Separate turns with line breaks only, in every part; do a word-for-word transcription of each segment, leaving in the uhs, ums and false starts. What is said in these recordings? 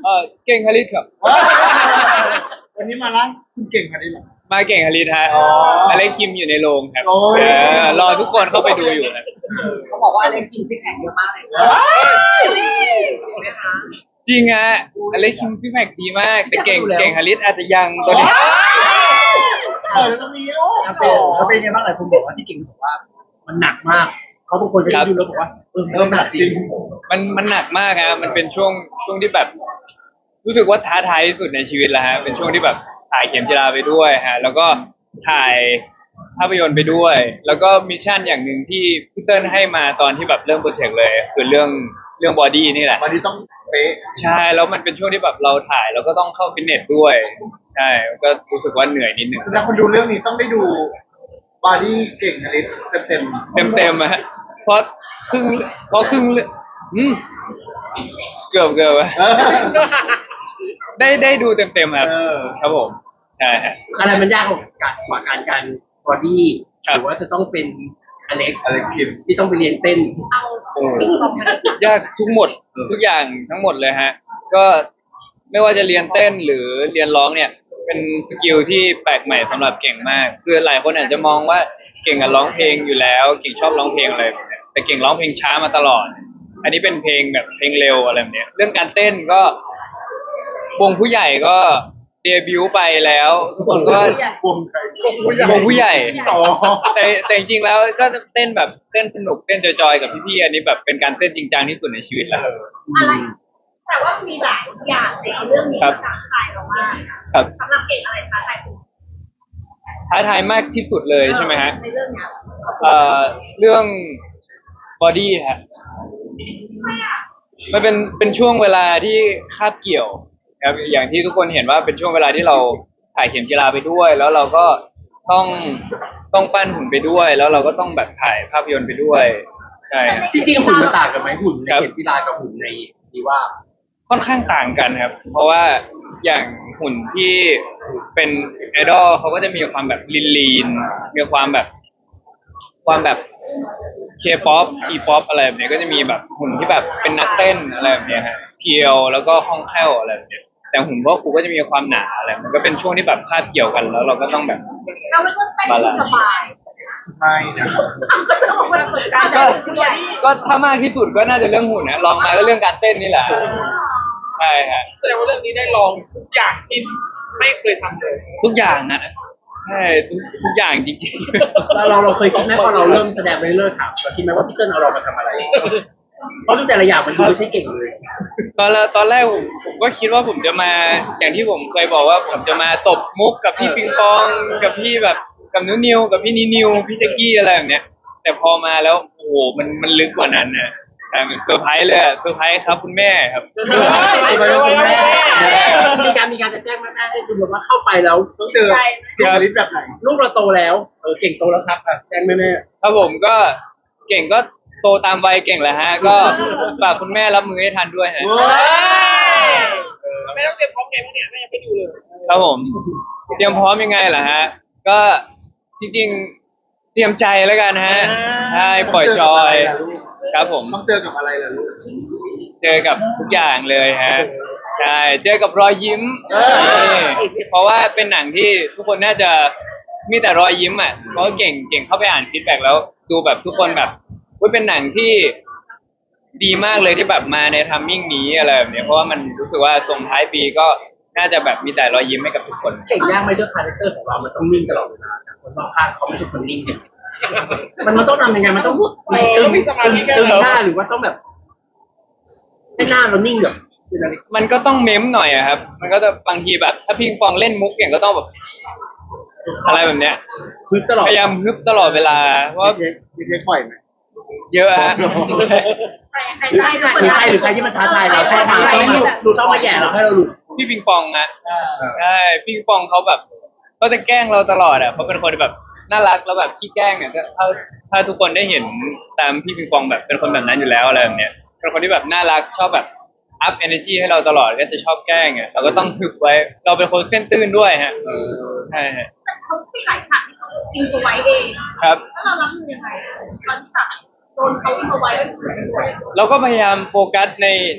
เออเก่งฮาริสครับ
วันนี้มาล้างคุณเก่งมาได้หรอ
มาเก่งฮาริสฮะ
อ๋อ
อเล็กคิมอยู่ในโรงครับ
โอ้ย
เออรอทุกคนเข้าไปดูอยู่ครับ
เขาบอกว่าอเล็กกินซิกแพคเยอะมากเลยนะจริงไหมคะ
จริงฮะอเล็กคิมพี่แม็กดีมากแต่เก่งเก่งฮาริสอาจจะยังตัวนี้
เออแล้วต้องมีลูก
เขาเป็นเขาเป็นยังไงบ้างหลายคนบอกว่าที่เก่งบอกว่ามันหนักมากเขาบางคนไปดูแล้วบอกว่าเออ
เริ่มหนักจริง
มันมันหนักมากฮะมันเป็นช่วงช่วงที่แบบ รู้สึกว่าท้าทายที่สุดในชีวิตแล้วฮะเป็นช่วงที่แบบถ่ายเข็มจีราไปด้วยฮะแล้วก็ถ่ายภาพยนตร์ไปด้วย แล้วก็มิชชั่นอย่างหนึ่งที่พี่เติ้ลให้มาตอนที่แบบเริ่มโปรเจกต์เลยคือเรื่องเรื่องบอดี้นี่แหละ
วันนี้ต้องเป๊ะ
ใช่แล้วมันเป็นช่วงที่แบบเราถ่ายแล้วก็ต้องเข้าฟิตเนสด้วยใช่ก็รู้สึกว่าเหนื่อยนิดนึง
แสดงคนดูเรื่องนี้ต้องได้ดูบอดี้เก่งอลิสเต็มเต็ม
เต็มเต็มๆอะฮะเพราะครึ่งเพราะครึ่งเรื่องอืมเกือบเกือบอะ
เออ
ได้ได้ดูเต็มเต็มๆครับ
เออ
ครับผมใช่ฮะ
อะไรมันยากกว่าการกว่าการการบอดี้
ครับ
หรือว่าจะต้องเป็นอเล็ก
อะไรคิม
ที่ต้องไปเรียนเต้น
เอาปิ้งปองมาได้
ยากทุกหมดทุกอย่างทั้งหมดเลยฮะ ก็ไม่ว่าจะเรียนเต้นหรือเรียนร้องเนี่ย เป็นสกิลที่แปลกใหม่สำหรับเก่งมาก คือหลายคนอาจจะมองว่าเก่งกับร้องเพลงอยู่แล้ว เก่งชอบร้องเพลงอะไรแบบเนี้ยแต่เก่งร้องเพลงช้ามาตลอด อันนี้เป็นเพลงแบบเพลงเร็วอะไรแบบเนี้ยเรื่องการเต้นก็วงผู้ใหญ่ก็เดบิวต์ไปแล้วทุกคนก็
วงใคร
วงผู้ใหญ่
ต่อ
แต่แต่จริงๆแล้วก็เต้นแบบเต้นสนุกเต้นจอยๆกับพี่ๆอันนี้แบบเป็นการเต้นจริงจังที่สุดในชีวิตแล้ว
อะไร แต่ว่ามีหลายอย่างในเรื่องนี้
ครับ
ท้าทายเรามาก
ครับ
สำหรับเก่งอะไรท้าทายคุณ
ท้าทายมากที่สุดเลยใช่ไหมฮะ
ในเรื่องเนี้ย
เอ่อเรื่องบอดี้ฮะ
ไม่อะ
มันเป็นเป็นช่วงเวลาที่คาบเกี่ยวครับอย่างที่ทุกคนเห็นว่าเป็นช่วงเวลาที่เราถ่ายเข็มจีราไปด้วย แล้วเราก็ต้องต้องปั้นหุ่นไปด้วย แล้วเราก็ต้องแบบถ่ายภาพยนตร์ไปด้วยใช่ฮะ
จริงๆหุ่นมันต่างกันไหมหุ่นใน
ครับ
เข็มจีรากับหุ่นในดีว่า
ค่อนข้างต่างกันครับ เพราะว่าอย่างหุ่นที่เป็นไอดอลเขาก็จะมีความแบบลีนลีนๆมีความแบบ ความแบบเคป๊อปทีป๊อปอะไรแบบเนี้ยก็จะมีแบบหุ่นที่แบบเป็นนักเต้นอะไรแบบเนี้ยฮะเพียวแล้วก็คล่องแคล่วอะไรแบบเนี้ยแต่หุ่นพวกกูก็จะมีความหนาอะไรมันก็เป็นช่วงที่แบบคาบเกี่ยวกันแล้วเราก็ต้องแบบ
เราไม่ต้องเต้นให้สบาย
ไม่นะครับ
ก็ต้องบอกว่าเหมือนกัน
ก็ก็ถ้ามากที่สุดก็น่าจะเรื่องหุ่นนะลองมาก็เรื่องการเต้นนี่แหละใช่ฮะ
แสดงว่าเรื่องนี้ได้ลองทุกอย่างที่ไม่เคยทำเลย
ทุกอย่างนะใช่ทุกทุกอย่างจริง
เราเราเราเคยคิดไหมพอเราเริ่มแสดงไปเรื่อยๆถามเราคิดไหมว่าพี่เติ้ลเอาเรามาทำอะไรเพราะทุกแต่ละอย่างมันดูไม่ใช่เก่งเลย
ๆตอนแรกตอนแรกผมผมก็คิดว่าผมจะมาอย่างที่ผมเคยบอกว่าผมจะมาตบมุกกับพี่ปิงปองกับพี่แบบกับนิวนิวกับพี่นินิวพี่แจ็กกี้อะไรแบบเนี้ย แต่พอมาแล้วโอ้โหมันมันลึกกว่านั้นนะแต่เซอร์ไพรส์เลยอะเซอร์ไพรส์ครับคุณแม่ครับ
มีการมีการจะแจ้งแม่ๆให้ดูว่าเข้าไปแล้ว
ต้องเจอเก่งอลิสแบบไหน
ลูกเราโตแล้วเออเก่งโตแล้วครับอ่ะแจ้งแม่
ครับผมก็เก่งก็โตตามวัยเก่งแหละฮะ ก็ฝากคุณแม่รับมือให้ทันด้วยฮะ
ไม่ต้องเตรียมพร้อมไงบ้างเนี่ยแม่ยังไม่ดูเลย
ครับผม เตรียมพร้อมยังไงล่ะฮะ ก็จริงๆเตรียมใจแล้วกันฮะใช่ปล่อยจอยครับผม
ต้องเจอกับอะไรล่ะลูก
เจอกับทุกอย่างเลยฮะใช่เจอกับรอยยิ้ม
เออ
นี่เพราะว่าเป็นหนังที่ทุกคนน่าจะมีแต่รอยยิ้มอ่ะเพราะว่าเก่งเก่งเข้าไปอ่านฟีดแบ็กแล้วดูแบบทุกคนแบบว่าเป็นหนังที่ดีมากเลยที่แบบมาในทัมมิ่งนี้อะไรแบบเนี้ยเพราะว่ามันรู้สึกว่าส่งท้ายปีก็น่าจะแบบมีแต่รอยยิ้มให้กับทุกคน
ๆเก่งยากไหมด้วยคาแรคเตอร์ของเรามันต้องนิ่งตลอดเวลาแต่คนรอบข้างเขาไม่ใช่คนนิ่งเนี่ยมันมันต้องทำยังไงมันต้องพูดตึงตึงหน้าหรือว่าต้องแบบให้หน้าเรานิ่งแบบเป็นอะไร
มันก็ต้องเม้มหน่อยอะครับ มันก็จะบางทีแบบถ้าพิงปองเล่นมุกอย่างก็ต้องแบบอะไรแบบเนี้ย
คือตลอด
พยายามฮึบตลอดเวลาเพราะว่า
มีเทคมีเทคบ่อยไหม
เยอะฮะ
ใครใครได้
หรือใครหรือใครที่มันท้าทายเราชอบมาชอบมาหลุดชอบมาแย่เราให้เราหลุด
พี่ปิงปองนะใช่พี่ปิงปองเขาแบบเขาจะแกล้งเราตลอดอ่ะเขาเป็นคนแบบน่ารักแล้วแบบขี้แกล้งอ่ะถ้าถ้าทุกคนได้เห็นตามพี่ปิงปองแบบเป็นคนแบบนั้นอยู่แล้วอะไรแบบเนี้ยเป็นคนที่แบบน่ารักชอบแบบอัพเอเนจีให้เราตลอดก็จะชอบแกล้งอ่ะเราก็ต้องฝึกไว้ เราเป็นคนเส้นตื้นด้วยฮะใช่ฮะ
แต่เขาไม่หลายฉากที่เขาอินไว้เอง
ครับ
แล้วเรารับมือยังไงตอนที่แบบโดนเขาอินไว้แล้วเหมือนกันหมด
เราก็พยายามโฟกัสใน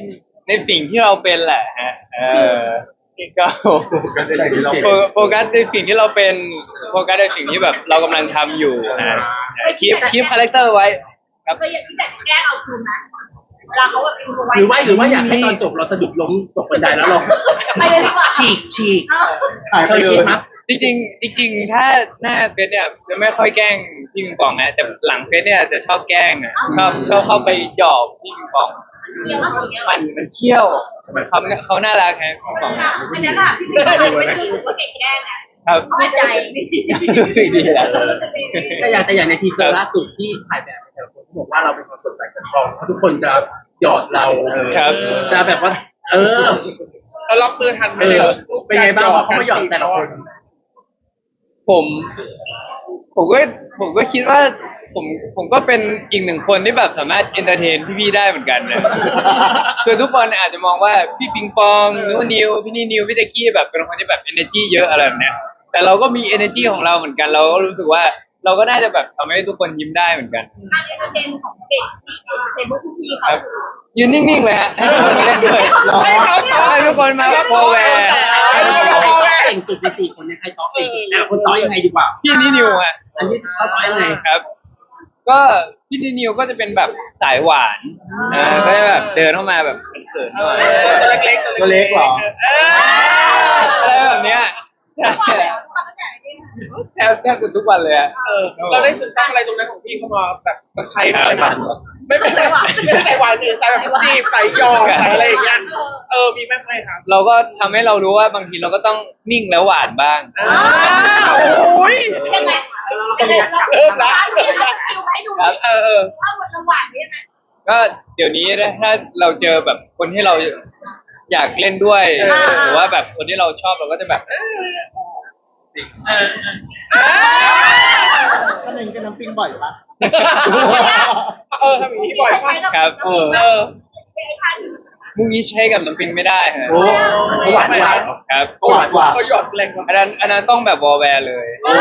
ในสิ่งที่เราเป็นแหละฮะเออก็
ใช่เรา
โฟโฟกัสในสิ่งที่เราเป็นโฟกัสในสิ่งที่แบบเรากำลังทำอยู่นะคีปคีปคาแรคเตอร์ไว้ครับ
เคยอยากที่จะแกล้งเอาคืนนะเวลาเขาแบบอินโฟไว้
หรือว่าหรือว่าอยากให้ตอนจบเราสะดุดล้มตกบันไดแล้วเรา
ไปเลยดีกว่า
ฉีกฉีก
เออ
หาย
เค
ไป
ย
เล
คิด
ย
มั้ย
จริงๆจริงๆถ้าหน้าเฟซเนี่ยจะไม่ค่อยแกล้งพี่ปิงปองนะแต่หลังเฟซเนี่ยจะชอบแกล้งอ่ะชอบชอบเข้าไปหยอกพี่ปิงปอง
เดี๋ยวเอาอย่างเงี้ย
มันมันเขี้ยวเขาเขาน่ารักไงพี่ปิงปอง
อ่ะอันนี้ค่ะพี่พี่เคยไม่รู้ว่าเก่งแกล้งอ่ะ
ครับ
เข้าใจ
รู้สึกดีแหละ
แต่อย่างแต่อย่างในทีเซอร์ล่าสุดที่ถ่ายแบบแต่ละคนเขาบอกว่าเราเป็นความสดใสของกองเพราะทุกคนจะหยอดเรา
ครับ
จะแบบว่า เออ
เรารับมือทันไหม
เออเป็นไงบ้างพอเขามาหยอดแต่ละคน
ผมผมก็ผมก็คิดว่าผมผมก็เป็นอีกหนึ่งคนที่แบบสามารถเอนเตอร์เทนพี่ๆได้เหมือนกันนะ คือทุกคนอาจจะมองว่าพี่ปิงปองนุนิวพี่นี่นิวพี่ตะกี้แบบเป็นคนที่แบบ energy เยอะอะไรแบบเนี้ยแต่เราก็มี energy ของเราเหมือนกันเราก็รู้สึกว่าเราก็น่าจะแบบทำให้ทุกคนยิ้มได้เหมือนกัน
การเอนเตอร์เทนของเก่งเทนพวกพี่เขาคือ
ยืนนิ่งๆเลยฮะให้ทุกคนมาเล่นด้วยให้ทุกคนมาโปรแวร์
ใครเก่งสุดในสี่คนเนี่ยใครต่อเก่งสุดอ่ะคนต่อยังไงดีกว่า
พี่นี่นิวฮะ
อันนี้เขาต่อยังไง
ครับ ก็พี่นี่นิวก็จะเป็นแบบสายหวานอ่าก็จะแบบเดินเข้ามาแบบเขินๆหน่อย
ตัวเล็กๆ
ตัวเล็กเหรอ
อะไรแบบเนี้ยแทบแทบแทบจะทุกวันเลยอะ
เออเราได้ซึมซับอะไรตรงนั้นของพี่เข้ามาแบบมาใช้อะไรบ้างไม่ไม่ไม่ไม่ใส่หวานคือใส่แบบจีบใส่ยอใส่อะไรอย่างเงี้ยเออมีไหมไม่ครับ
เราก็ทำให้เรารู้ว่าบางทีเราก็ต้องนิ่งแล้วหวานบ้าง
อ้าวโอ้ย
ยังไงยังไงเรา
เริ่มละ
เราเอาสกิลให้ดู
ครับ
เออเออ
ว่าวันละหวานได้ยังไง
ก็เดี๋ยวนี้นะถ้าเราเจอแบบคนที่เราอยากเล่นด้วย
อ่า
หรือว่าแบบคนที่เราชอบเราก็จะแบบ
ก็เน้นกันน้ำปิ้งบ่อยปะ
เออทำอย่างนี้บ่อย
ใช้กับ
ครับ
เออเออ
ไอ้ท่านี้
มุกนี้ใช้กับน้ำปิงไม่ได้ฮะ
โอ้
หวานหวาน
ครับ
หวานกว่า
เขาหยอดแรงกว่า
อันนั้นอันนั้นต้องแบบวอลแวร์เลย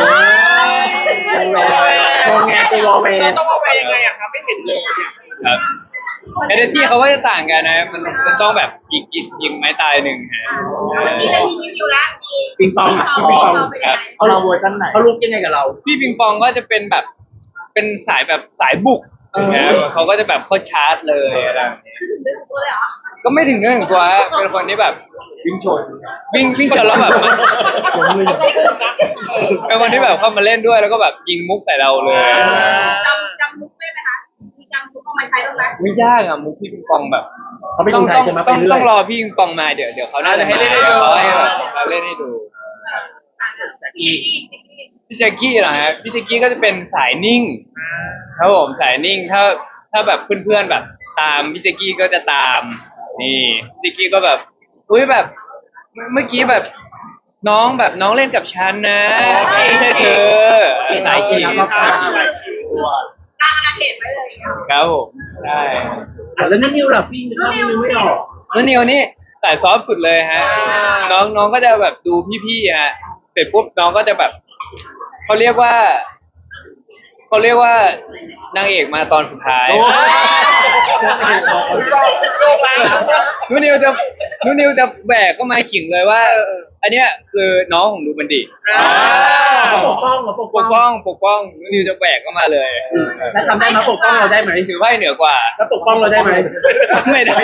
มองไงตัววอลเว
เรา
น
ต้องเอาไปยังไงอะครับไม่เห็นเลยเนี่ย
ครับเอเนจีเขาก็จะต่างกันนะมันมันต้องแบบยิงยิงยิงไม้ตายหนึ่งฮะ
เมื่อกี้จะมีรีวิวแล้วมี
ปิงปองอ่ะ
ปิ
ปิ
ง
ง
ป
ป
อ
อง ง
เป็นยังไง
เอาเราเวอร์ชันไหน
เขาลุกยังไงกับเรา
พี่ปิงปองก็จะเป็นแบบเป็นสายแบบสายบุกนะครับเขาก็จะแบบเข้าชาร์จเลยอะไรแบบนี้
คือถึงเรื่องของตัวเลยเหรอ
ก็ไม่ถึงเรื่องของตัวฮะเป็นคนที่แบบ
วิ่งชน
วิ่งวิ่งจนแล้วแบบมัน
ผมเลย
เป็นคนที่แบบเข้ามาเล่นด้วยแล้วก็แบบยิงมุกใส่เราเลย
จำจำมุกได้ไหมคะมีจำมุกเอามาใช้บ้างไหม
ไม่ยากอะมุกพี่ปิงปองแบบ
เขาไม่
ต้
ดู
อง
ไทย
ต้อง
ใช่ไหมไป
ต้อง
เรื่
ต้
อ
อย งรอพี่ปิงปองมาเดี๋ยวเดี๋ยวเขาน่าจะให้เล่นให้ดูเขาให้แบบเขาเล่นให้ดู
พี่พี่
พี่แจ็คกี้เหรอฮะพี่แจ็คกี้ก็จะเป็นสายนิ่งครับผมสายนิ่งถ้าถ้าแบบเพื่อนๆแบบ ตามพี่แจ็คกี้ก็จะตาม นี่พี่แจ็คกี้ก็แบบอุ้ยแบบเมื่อกี้แบบ น้องแบบน้องเล่นกับฉันนะไม่ใช่เธอสายกี้
ตัว
กลางอาณาเขตไว้เลย
ครับผมใช่
อ่ะแล้วนั่นนิวล่ะพี่นึกว่านิวไม่ออก
แล้วนิวนี่สายซอฟต์สุดเลยฮะ น้องน้องก็จะแบบดูพี่ๆฮะเสร็จปุ๊บน้องก็จะแบบเขาเรียกว่าเขาเรียกว่านางเอกมาตอนสุดท้าย
โอ้ย
นูนิวจะนูนิวจะแบกเข้ามาขิงเลยว่า อันเนี้ยคือน้องของดูบันดิ
ปกป้องเหรอปก
ป
ป้อง
กป้องปกป้องนูนิวจะแบกเข้ามาเลย
แล้วทำได้ไหมปกป้องเราได้ไหม
ถือไพ่เหนือกว่า
แล้วปกป้องเราได้ไหม
ไม่ได้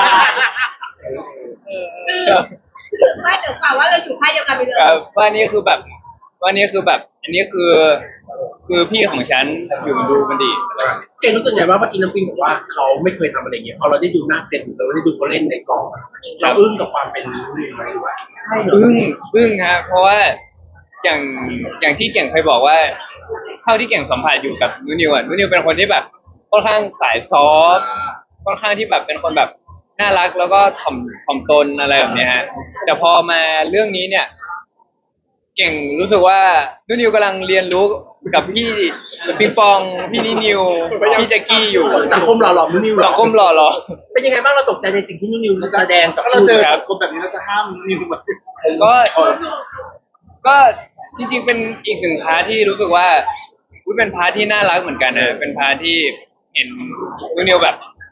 คือไม่เดี๋ยวกล่าวว่าเราอยู่ค่ายเดียวกันไปเลย
ครับว่านี่คือแบบว่านี่คือแบบ อันนี้คือ คือพี่ของฉันอยู่ดูบันดิ
เก่งรู้สึกไงว่าเมื่อกี้น้ำปิงบอกว่าเขาไม่เคยทำอะไรอย่างเงี้ยพอเราได้ดูหน้าเซตเราได้ดูเขาเล่นในกองอะเราอึ้งกับความเป็นนิวไหมหรือว่าใช่เหรอ
อึ้งอึ้งฮะเพราะว่าอย่างอย่างที่เก่งเคยบอกว่าเท่าที่เก่งสัมผัสอยู่กับนูนิวอ่ะนูนิวเป็นคนที่แบบค่อนข้างสายซอฟต์ค่อนข้างที่แบบเป็นคนแบบน่ารักแล้วก็ถ่อมถ่อมตนอะไรแบบเนี้ยฮะแต่พอมาเรื่องนี้เนี่ย เก่งรู้สึกว่านูนิวกำลังเรียนรู้กับพี่ปิงปองพี่นินิวพี่แจ็กกี้อยู่
สังคมหล่อหลอมนิวหร
สั
อง
คมหล่อหรอ
เป็นยังไงบ้างเราตกใจในสิ่งที่นิวแสดงกับ
ถ้าเราเจอคนแบบนี้เราจะห้ามนิวแบบ
ก็ ก็จริงๆเป็นอีกหนึ่งพาร์ทที่รู้สึกว่าอุ๊ยเป็นพาร์ทที่น่ารักเหมือนกันนะเป็นพาร์ทที่เห็นนูนิวแบบท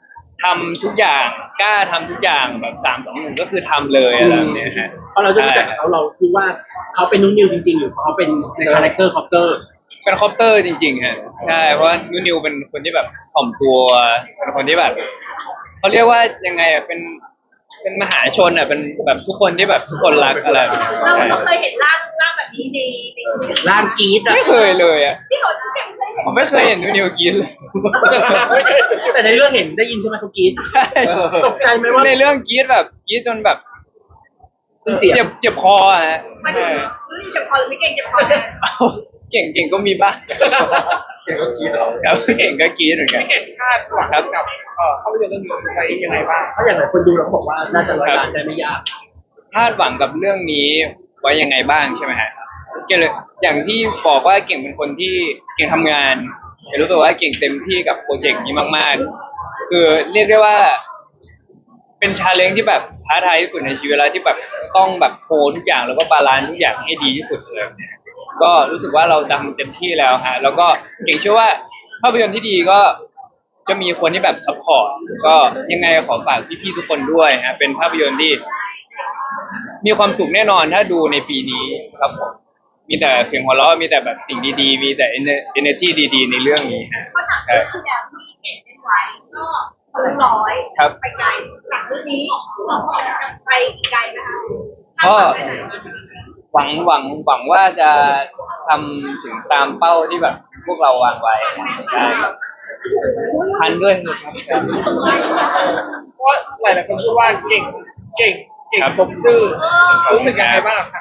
ทำทุกอย่างกล้าทำทุกอย่างแบบสามสองหนึ่งก็คือทำเลยอะไรแบบเนี้ยฮะ
เพราะเราจะรู้จักเขาเราคิดว่าเขาเป็นนุ่นนิวจริงๆหรือเขาเป็นในคาแรคเตอร์คอปเตอร์
เป็นคอปเตอร์จริงๆฮะใช่เพราะว่านูนิวเป็นคนที่แบบถ่อมตัวเป็นคนที่แบบเขาเรียกว่ายังไงอ่ะเป็นเป็นมหาชนอ่ะเป็นแบบทุกคนที่แบบทุกคนรักอะไรแบบนี้
เรา
ใช่
เราเคยเห็นร่างร่างแบบนี้ในใน
ร่างกรีดอะ
ไม่เคยเลยอ่ะ
ที่เขาเก็บเคยเห็น
ผมไม่เคยเห็นนูนิวกินเลย
แต่ในเรื่องเห็นได้ยินใช่ไหมเขากรีด
ใช่
ตกใจไหมว่า
ในเรื่องกรีดแบบกรีดจนแบบ
เสียง
เจ็บเจ็บคออ่ะฮะ
มาถึ
ใช่
งรู้สึกเจ็บคอหรือไม่เก่งเจ็บคอเนี่ย
เอ้าเก่งเก่งก็มีบ้าง
เก่งก็กรีดเหรอ
ครับเก่งก็กรีดเหมือนกัน
พี่เก่งคาดหวังกับเอ่อภาพยนตร์เรื่องนี้ไว้ยังไงบ้าง
เพราะอย่างหลายคนดูแล้วบอกว่าน่าจะร้อยล้านได้ไม่ยาก
คาดหวังกับเรื่องนี้ไว้ยังไงบ้างใช่ไหมฮะเก่งเลยอย่างที่บอกว่าเก่งเป็นคนที่เก่งทำงานเก่งรู้สึกว่าเก่งเต็มที่กับโปรเจกต์นี้มากๆ คือเรียกได้ว่า เป็นชาเลนจ์ที่แบบท้าทายที่สุดในชีวิตแล้วที่แบบต้องแบบโคทุกอย่างแล้วก็บาลานซ์ทุกอย่างให้ดีที่สุดเลยก็รู้สึกว่าเราทำเต็มที่แล้วฮะแล้วก็เก่งเชื่อว่าภาพยนตร์ที่ดีก็จะมีคนที่แบบซัพพอร์ตก็ยังไงขอฝากพี่ๆทุกคนด้วยฮะเป็นภาพยนตร์ที่ มีความสุขแน่นอนถ้าดูในปีนี้ครับผมมีแต่เสียงหัวเราะมีแต่แบบสิ่งดีๆ มีแต่ energy ดีๆ ในเรื่องนี้ฮะ
เพราะจากเรื่องที่แล้วที่เก่งเป็นไว้ก็ทะลุร้อย
ครับ
ไปไกลจากเรื่องนี้เราก็จะไปอีกไกลนะคะคาด
ก็
หวังไปไหน
หวังหวังหวังว่าจะทำถึงตามเป้าที่แบบพวกเราวางไว้ใช่ครับพันด้วยนะครับ
เพราะหลายๆคนพูดว่าเก่งเก่งเก่งสมชื่อรู้สึกยังไงบ้างครับ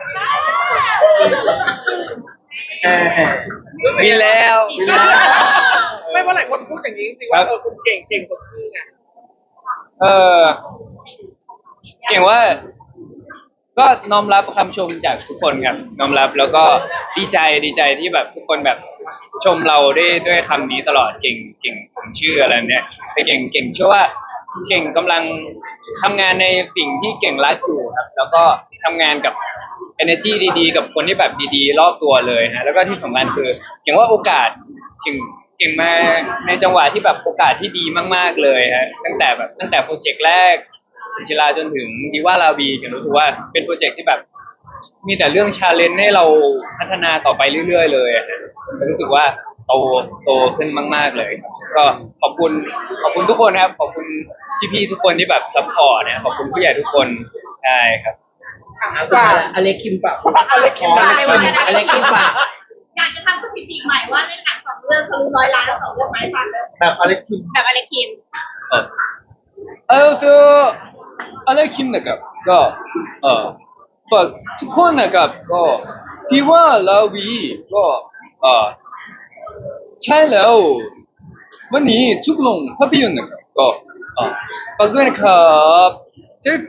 แหม
มีแล้ว
ไม่เพราะหลายคนพูดอย่างนี้จริงๆว่าเออคุณเก่งเก่งสมชื่อไง
เออเก่งว่า ก็น้อมรับคำชมจากทุกคนครับน้อมรับแล้วก็ดีใจดีใจที่แบบทุกคนแบบชมเราได้ด้วยคำนี้ตลอดเก่งเก่งผมชื่ออะไรเนี่ยแต่เก่งเก่งเชื่อว่าเก่งกำลังทำงานในสิ่งที่เก่งรักอยู่ครับ แล้วก็ทำงานกับ energy ดีๆ กับคนที่แบบดีๆ รอบตัวเลยฮะแล้วก็ที่สำคัญคือเก่งว่าโอกาสเก่งเก่งมาในจังหวะที่แบบโอกาสที่ดีมากๆเลยฮะตั้งแต่แบบตั้งแต่โปรเจกต์แรกจิราจนถึงดีว่าลาวีเก่งรู้สึกว่าเป็นโปรเจกต์ที่แบบ มีแต่เรื่องชาเลนจ์ให้เราพัฒนาต่อไปเรื่อยๆเลยอะรู้สึกว่าโตโตขึ้นมากๆเลยครับก็ขอบคุณขอบคุณทุกคนครับขอบคุณพี่ๆทุกคนที่แบบซัพพอร์ตนะขอบคุณผู้ใหญ่ทุกคนใช่ครับ
อ่ะสุดท้ายแล้วอเล็กคิมปะ
อเล็กคิม
อเล็กคิมอเล็กคิมปะ
อยากจะทำสถิติใหม่ว่าเล่นหนังสองเรื่องทะลุร้อยล้านสองเรื่องไม้ฟันเลย
แบบอเล็กคิม
แบบอะไรคิม
เออเออคืออะไรคิมนะครับก็เออฝากทุกคนนะครับก็ที่ว่าลาวีก็เออใช่แล้ววันนี้ทุกโรงภาพยนตร์นะครับก็เออฝากด้วยนะครับเจฟู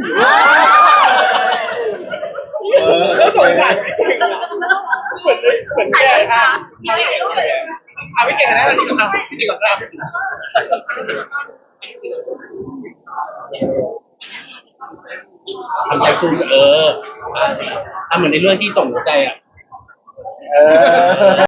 เออ
แล้วสวยจังเหมือนเหมือนแกอ่ะ
ถ่ายรูปเลย
อ่ะพี่เก่งนะพี่เก่งนะพี่เก่งนะ
ทำใจฟูเอออ่ะอ่ะเหมือนในเรื่องที่ส่งหัวใจอ่ะ
เออ